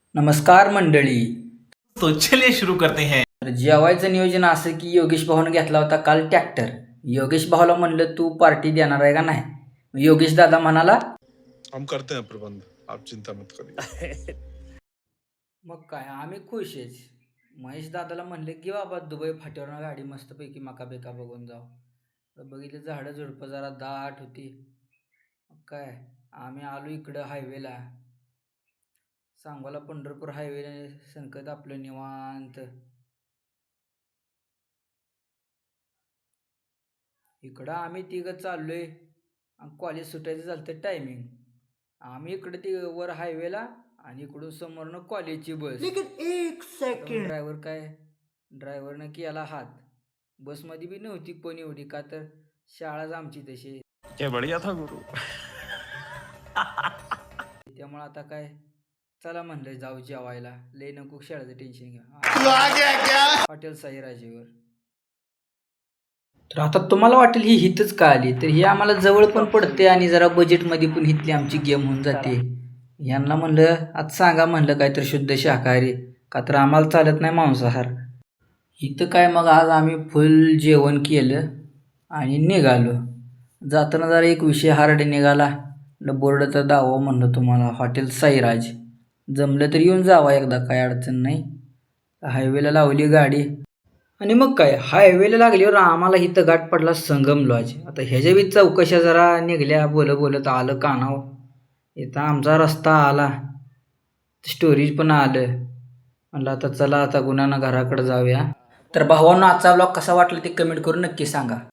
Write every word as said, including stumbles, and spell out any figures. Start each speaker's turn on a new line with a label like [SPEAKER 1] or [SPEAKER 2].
[SPEAKER 1] नमस्कार मंडळी.
[SPEAKER 2] तो चलिए शुरू करते हैं.
[SPEAKER 1] तर जेवायचं नियोजन असं की योगेश भाऊनं घेतला होता काल ट्रॅक्टर. योगेश भाऊला म्हणलं तू पार्टी देणार आहे का नाही. योगेश दादा म्हणाला
[SPEAKER 3] हम करते हैं प्रबंध, आप चिंता मत करिए.
[SPEAKER 1] मग काय आम्ही खुश आहेच. महेश दादाला म्हणलं की बाबा दुबई फाट्यावरनं गाडी मस्तपैकी मका बेका बघून जाऊ. तर बघितलं झाडं झुडपं जरा दाट होती. मग काय आम्ही आलो इकडं हायवेला, सांगोला पंढरपूर हायवे संकत आपलं निवांत. इकडं आम्ही तिघं चाललोय आणि कॉलेज सुटायचं झालं तर टायमिंग. आम्ही इकडं ती वर हायवेला आणि इकडून समोरनं कॉलेजची बस.
[SPEAKER 2] एक सेकंड.
[SPEAKER 1] ड्रायव्हर काय ड्रायव्हरनं केला हात. बसमध्ये बी नव्हती कोणी एवढी, का तर शाळाच आमची तशी.
[SPEAKER 2] क्या बढ़िया था गुरु.
[SPEAKER 1] त्यामुळं आता काय चला म्हणलं जाऊ जेवायला. लय नको शाळेचं टेन्शन घ्या. हॉटेल साईराजेवर. तर आता तुम्हाला वाटेल ही हितच का आली, तर ही आम्हाला जवळ पण पडते आणि जरा बजेटमध्ये पण हितली आमची गेम होऊन जाते. यांना म्हणलं आज सांगा म्हणलं काहीतरी शुद्ध शाकाहारी, का तर आम्हाला चालत नाही मांसाहार. इथं काय मग आज आम्ही फुल जेवण केलं आणि निघालो. जाताना जरा एक विषय हार्ड निघाला. बोर्डचा दावा म्हणलं तुम्हाला हॉटेल साईराज. जमलं तर येऊन जावा एकदा, काय अडचण नाही. हायवेला लावली गाडी आणि मग काय हायवेला लागल्यावर आम्हाला इथं गाठ पडला संगम लॉज. आता ह्याच्या बी चौकशा जरा निघल्या, बोलत बोलत आलं कानाव. इथं आमचा रस्ता आला, स्टोरेज पण आलं. म्हणलं आता चला आता गुन्हानं घराकडे जाऊया. तर भावांनो आजचा ब्लॉग कसा वाटला ते कमेंट करून नक्की सांगा.